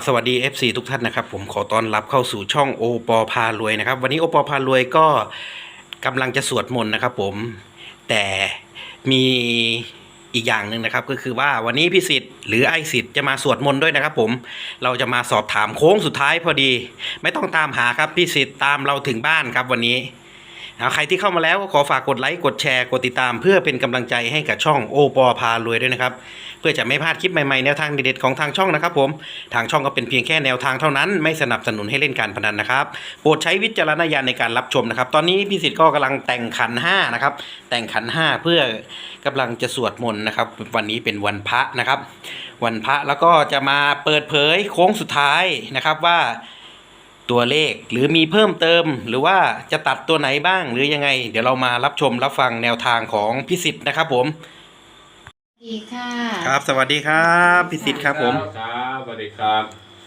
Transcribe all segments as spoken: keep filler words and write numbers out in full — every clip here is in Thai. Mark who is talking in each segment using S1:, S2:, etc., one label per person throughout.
S1: สวัสดี เอฟ ซี ทุกท่านนะครับผมขอต้อนรับเข้าสู่ช่องโอปอพารวยนะครับวันนี้โอปอพารวยก็กำลังจะสวดมนต์นะครับผมแต่มีอีกอย่างหนึ่งนะครับก็คือว่าวันนี้พี่สิทธิ์หรือไอสิทธิ์จะมาสวดมนต์ด้วยนะครับผมเราจะมาสอบถามโค้งสุดท้ายพอดีไม่ต้องตามหาครับพี่สิทธิ์ตามเราถึงบ้านครับวันนี้ใครที่เข้ามาแล้วก็ขอฝากกดไลค์กดแชร์กดติดตามเพื่อเป็นกำลังใจให้กับช่องโอปอพารวยด้วยนะครับเพื่อจะไม่พลาดคลิปใหม่ๆแนวทางเด็ดๆของทางช่องนะครับผมทางช่องก็เป็นเพียงแค่แนวทางเท่านั้นไม่สนับสนุนให้เล่นการพนันนะครับโปรดใช้วิจารณญาณในการรับชมนะครับตอนนี้พี่สิทธิ์ก็กำลังแต่งขันห้านะครับแต่งขันห้าเพื่อกำลังจะสวดมนต์นะครับวันนี้เป็นวันพระนะครับวันพระแล้วก็จะมาเปิดเผยโค้งสุดท้ายนะครับว่าตัวเลขหรือมีเพิ่มเติมหรือว่าจะตัดตัวไหนบ้างหรือยังไงเดี๋ยวเรามารับชมรับฟังแนวทางของพี่สิทธิ์นะครับผม
S2: สวัสดีค่ะ
S1: ครับสวัสดีครับพี่สิทธิ์ครับผม
S3: ครับสวัสดีครับ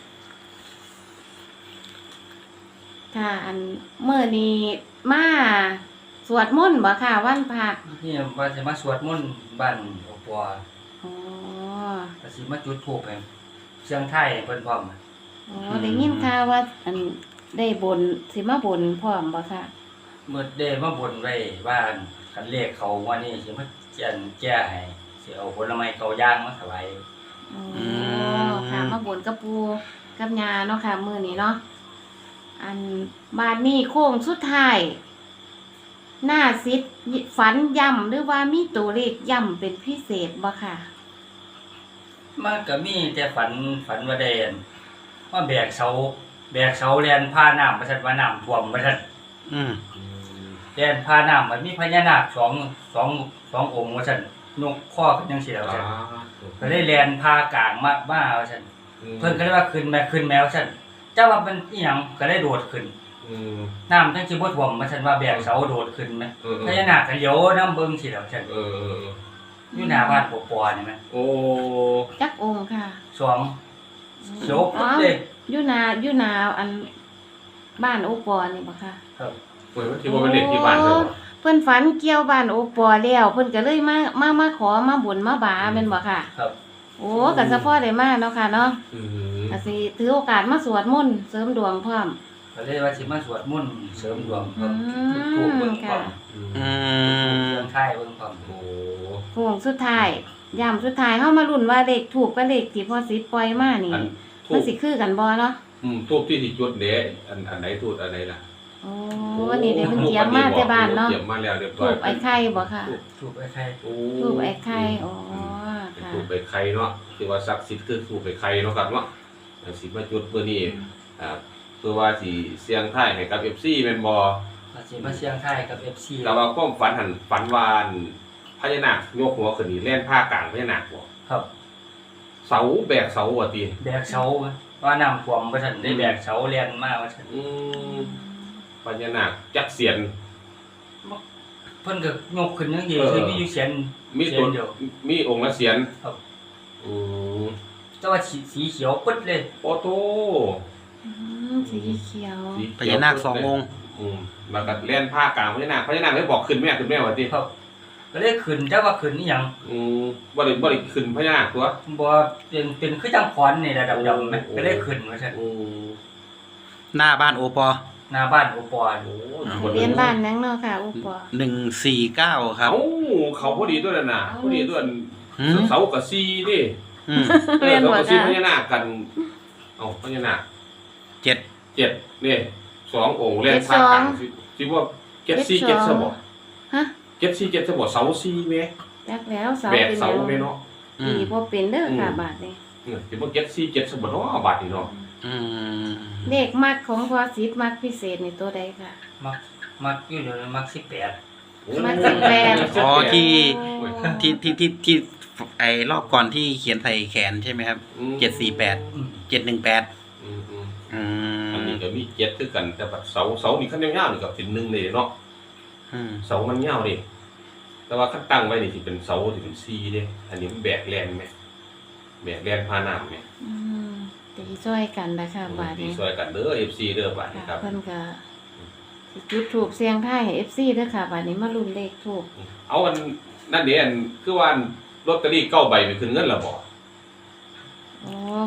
S2: ค่ะอันเมื่อนี้มาสวดมนต์บ่ค่ะวันพระ
S4: นี่ว่าจะมาสวดมนต์บ้านโอปัว
S2: อ๋อ
S4: ก็สิมาจุดธูปให้เสียงไทยเพิ่นพร้อม
S2: อ๋อได้ยินข่าวว่าอันได้บนสิมาบนพร้อมบ่ค่ะ
S4: เมื่อได้มาบนไว้ว่าคันเลขเขาวันนี้สิมาเจียนแก้ให้สิเอาผลไม้เกาย่างมาถวาย
S2: อ๋อค่ะมาบนกับปู่กับย่าเนาะค่ะมื้อนี้เนาะอันบ้านนี้โค้งสุดท้ายหน้าซิดฝันย่ำหรือว่ามีตัวเลขย่ำเป็นพิเศษบ่ค่ะ
S4: มันก็มีแต่ฝันฝันว่าได้ว่าแบกเสาแบกเสาแล่นพาน้ำาว่าซั่นว่าน้ำท่วมว่าซั่น
S1: อืม
S4: แล่นพาน้ำมันมีพญานาคสองสองสององค์ว่าซั่นนกข้อกันจังซี่แล้วว่าซั่นก็เลยแล่นพากลางมามาว่าซั่นเพิ่นก็เลยว่าขึ้นแม่ขึ้นแมวซั่นเจ้าว่ามันอีหยังก็เลยโดดขึ้นอืมน้ำจังสิบ่ท่วมว่าซั่นว่าแบกเสาโดดขึ้นแม่พญานาคก็เหลียวนำเบิ่งซี่แล้วซั่นเอออยู่หน้าบ้านปอปอนี่แม่โอ้
S2: จักองค์ค่ะ
S4: สองเขียวปุ๊บเลย
S2: อยู่นาอยู่นาอันบ้านโอปอนี่บ่ค่ะ
S4: ครับ
S3: เพิ่นว่าสิบ่เป็นเด็กที่บ้านเพิ่น
S2: เพิ่นฝันเกี่ยวบ้านโอปอแล้วเพิ่นก็เลยมามามาขอมาบุญมาบาแม่นบ่ค่ะ
S4: ครับ
S2: โอ้ก็เฉพาะได้มาเนาะค่ะเนาะอือก็สิถือโอกาสมาสวดมนต์เสริมดวงพร้อม
S4: ก็เลยว่าสิมาสวดมนต์เสริมดวงพร้อมถูกเบิ่งพร้อมอืมเรื่องไทยเบิ่งพร้อมโอ้
S2: โค้งสุดท้ายยามสุดท้ายเฮามาลุ้นว่าเลขถูกกับเลขที่พ่อสิปล่อยมานี่มันสิคือกันบ่เนาะ
S3: อืมทูบที่สิจุดเด้อันอันไหนทูบอันไหนล่ะ
S2: โอ้วันนี้ได้เพิ่นเตรียมมาแต่บ้านเนาะ
S3: เตรียมมาแล้วเรียบร้อย
S2: ทูบไอ้ไข่บ่ค่ะ
S4: ทูบไอ้ไข่
S2: โอ้ทูบไอ้ไข่อ๋อ
S3: ค่ะทูบไอ้ไข่เนาะที่ว่าศักดิ์สิทธิ์คือทูบไอ้ไข่เนาะครับเนาะสิมาจุดเพื่อนี้อ่าเพื่อว่าสิเสียงไทยให้กับ เอฟ ซี แม่นบ่
S4: สิมาเสียงไทยกับ เอฟ ซี
S3: แต่ว่าความฝันหั่นฝันว่าพญานาคยกหัวขึ้นนี่แล่นผ้ากลางพญานาคบ่
S4: ครับ
S3: เสาแบกเสาว่าติ
S4: แบกเสาว่าน้ำท่วมว่าซั่นได้แบกเสาแล่นมาว่าซั่น
S3: อืมพญานาคจักเสียน
S4: เพิ่นก็ยกขึ้นจังซี่คือมีอยู่เสียน
S3: มีตัวเดียวมีองค์ละเสียน
S4: ครับ
S3: อืม
S4: แต่ว่าสีเขียวปึ๊ดเลย
S3: โอ้โต
S2: อืมสีเขียว
S1: พญานาคสององค์
S3: อืมแล้วก็แล่นผ้ากลางพญานาคพญานาคได้บอกขึ้นแม่ขึ้นแม่ว่าติ
S4: ครับก็เลยขึ้นแต่ว่าขึ้นอีหยัง
S3: อืมบ่ได้บ่ได้ขึ้นพญานาคตัว
S4: บ่เป็นเป็นคือจังขอนนี่ระดับดำแม่ก็เลยขึ้นว่าซั่นอื
S1: มหน้าบ้านโอปอ
S4: หน้าบ้านโอปอโ
S2: อ้เรียนบ้านนังเนาะค่ะโอปอ
S1: หนึ่งสี่เก้าครับ
S3: เอ้าเขาพอดีตัวนั้นน่ะพอดีตัวเสากับสี่ดิอืมเออเสากับสี่พญานาคกันเอ้าพญานาค
S1: เจ็ด
S3: เจ็ดนี่สององค์แล่นผ้ากลางสิว่าเจ็ดสี่เจ็ดซะบ่
S2: ฮะ
S3: เจ็ดสี่เจ็ดซะบ่เสาสี่แม่
S2: จักแล้วเสา
S3: เป็นเสาแม่เนาะ
S2: อีบ่เป็นเด้อค่ะบาดนี้
S3: เออสิบ่เจ็ดสี่เจ็ดซะบ่เนาะบาดนี้เนาะ
S1: อืม
S2: เลขมักของพอสิบมักพิเศษนี่ตัวใดค่ะ
S4: มักมักอยู่เดี๋ยวมักสิบแปด
S2: มักสิบแปด
S1: อ๋อที่ที่ที่ที่ที่ไอ้รอบก่อนที่เขียนใส่แขนใช่ไหมครับเจ็ดสี่แปดเจ็ดหนึ่งแปด
S3: อืมอืมอืมอันนี้ก็มีเจ็ดคือกันแต่แบบเสาเสานี่คันยาวๆนี่ก็เป็นหนึ่งเลยเนาะอืมเสามันยาวดิแต่ว่าคันตั้งไว้นี่สิเป็นเสาสิเป็นสี่เด้อันนี้มันแบกแล่นแม่แบกแล่นพาน้ำแม่
S2: อืมตีช่วยกันนะคะบาดนี้
S3: ตีช่วยกันเด้อ เอฟ ซี เด้อบาดนี้ครับ
S2: เพิ่นก็สิจุดธูปเสียงไทยให้ เอฟ ซี เด้อค่ะบาดนี้มาลุ้นเลขทูป
S3: เอาอันนั่นเด้อันคือว่าลอตเตอรี่เก้าใบไปขึ้นเงินแล้วบ่
S2: อ๋อเพิ่น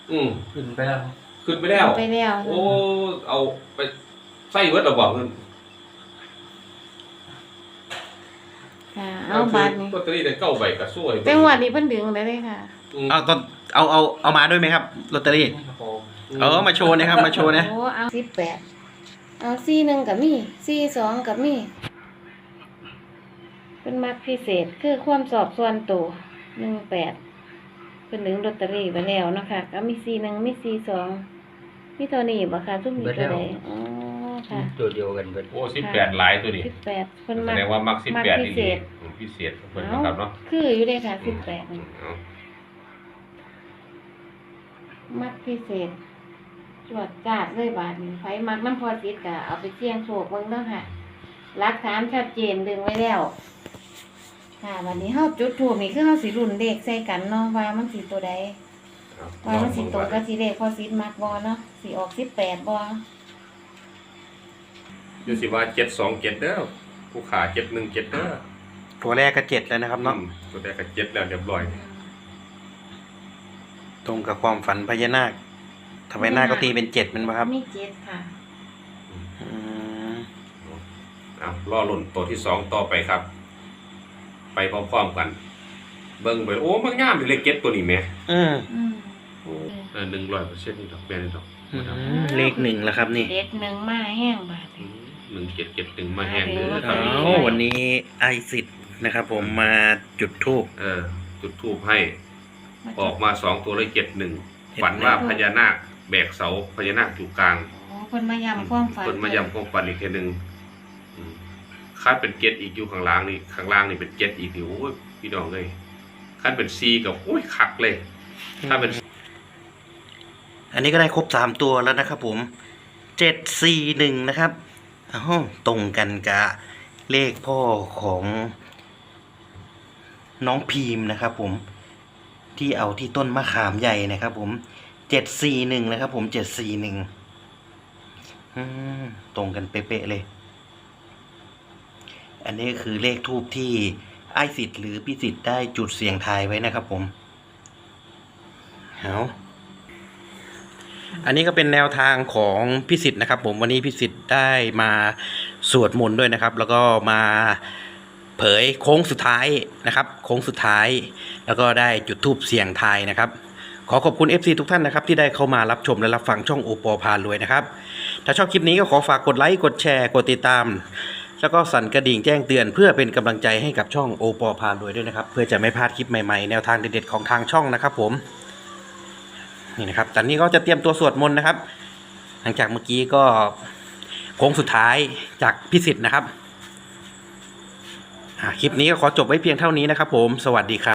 S3: อืม
S4: ขึ้นไปแล้ว
S3: ขึ้นไปแล้ว
S2: ไปแล้ว
S3: โอ้เอาไปใส่เวิร์ดเราบอกเงิน
S2: ค่ะเอาบาทนี้
S3: ลอตเตอรี่ได้เก้าใบก็สวย
S2: แต่งวดนี้เพิ่นดึงได้เลยค่ะ
S3: อืม
S1: เอาตอนเอาเอาเอามาด้วยไหมครับลอตเตอรี่
S4: นี่กระโปรง
S1: เออมาโชว์นะครับมาโชว์นะ
S2: โอ้เอาสิบแปดเอาสี่หนึ่งกับมีสี่สองกับมีเป็นมักพิเศษคือความสอบส่วนตัวหนึ่งแปดเป็นดึงลอตเตอรี่ไปแล้วเนาะคะก็มีสี่หนึ่งมีสี่สองมีเท่านี้บ่ค่ะทุกมีตัวใดอ๋อค่ะ
S4: ตัวเดียวกันเบิด
S3: โอ้สิบแปดหลายตัวดิ
S2: สิบแปดเพิ่น
S3: แส
S2: มัก
S3: ดงว่ามักสิบ
S2: มัก
S3: แปด
S2: พิ
S3: ดี
S2: เศษ
S3: พิเศษเพิ่นนะครับเนาะ
S2: คืออยู่เลยค่ะสิบแปด
S3: อืมเอา
S2: มักพิเศษจวดจาดเลยบาทนี้ไฟมักน้ำพอสิทธิ์กะเอาไปเสี่ยงโชคเบิ่งเด้อค่ะหลักฐานชัดเจนดึงไว้แล้ว ค่ะ วันนี้เฮาจุดถูกนี่คือเฮาสิรุ่นเลขใส่กันเนาะว่ามันสิตัวใด
S3: เอา
S2: ว่ามันสิตรงกับสิเลขพอสิทธิ์มักบ่เนาะสิออกสิบแปดบ่
S3: อยู่สิว่าเจ็ดสองเจ็ดเด้อผู้ขาเจ็ดหนึ่งเจ็ดเด้อ
S1: ตัวแรกก็เจ็ดแล้วนะครับเนาะ
S3: อืมตัวแรกก็เจ็ดแล้วเรียบร้อย
S1: ตรงกับความฝันพญานาคทำไมนาคก็ตีเป็นเจ็ดมันปะครับ
S2: มีเจ็ดค่ะ
S1: อืม
S3: เอาล่อหล่นตัวที่สองต่อไปครับ ไปพร้อมๆกัน เบิ่งไปโอ้มันงามเลยเลขเจ็ดตัวนี้แหม่
S1: อืม
S2: อืม
S3: เออหนึ่งร้อยเปอร์เซ็นต์นี่ดอกแม่นี่ดอก
S1: อืมเลขหนึ่งแล้วครับนี่
S2: เด็ดหนึ่งมาแห้งบาท
S3: อื
S2: นี้
S3: มหนึ่งเจ็ดเจ็ดหนึ่งมาแห้งเลย
S2: มา
S3: ครั
S2: แห้
S3: บ
S2: ง
S1: อ้าววันนี้ไอซิดนะครับ ผมมาจุดทูบ
S3: เออ จุดทูบให้ ออกมาสองตัวเลยเจ็ดหนึ่งฝันว่าพญานาคแบกเสาพญานาคอยู่กลาง
S2: อ๋อเพิ่นมาย้ำความฝัน
S3: คนมายำความฝันอีกทีหนึ่งอืมคาดเป็นเจ็ดอีกอยู่ข้างล่างนี่ข้างล่างนี่เป็นเจ็ดอีกนี่โอ้ยพี่น้องเลยคาดเป็นซีกับโอ้ยคักเลย ถ้าเป็น
S1: อันนี้ก็ได้ครบสามตัวแล้วนะครับผมเจ็ดสี่หนึ่งนะครับอ้าวตรงกันกับเลขพ่อของน้องพีมนะครับ ผมที่เอาที่ต้นมะขามใหญ่นะครับ ผมเจ็ดสี่หนึ่งนะครับ ผมเจ็ดสี่หนึ่งตรงกันเป๊ะๆเลย อันนี้คือเลขทูบที่ไอ้สิทธิ์หรือพี่สิทธิ์ได้จุดเสียงทายไว้นะครับ ผมเอาอันนี้ก็เป็นแนวทางของพี่สิทธิ์นะครับ ผมวันนี้พี่สิทธิ์ได้มาสวดมนต์ด้วยนะครับ แล้วก็มาเผยโค้งสุดท้ายนะครับ โค้งสุดท้าย แล้วก็ได้จุดธูปเสียงทายนะครับ ขอขอบคุณ เอฟ ซี ทุกท่านนะครับที่ได้เข้ามารับชมและรับฟังช่องโอปอพารวยนะครับถ้าชอบคลิปนี้ก็ขอฝากกดไลค์กดแชร์กดติดตาม แล้วก็สั่นกระดิ่งแจ้งเตือนเพื่อเป็นกำลังใจให้กับช่องโอปอพารวยด้วยนะครับ เพื่อจะไม่พลาดคลิปใหม่ๆแนวทางเด็ดๆของทางช่องนะครับ ผมนี่นะครับตอนนี้ก็จะเตรียมตัวสวดมนต์นะครับ หลังจากเมื่อกี้ก็โค้งสุดท้ายจากพิสิทธิ์นะครับคลิปนี้ก็ขอจบไว้เพียงเท่านี้นะครับ ผมสวัสดีครับ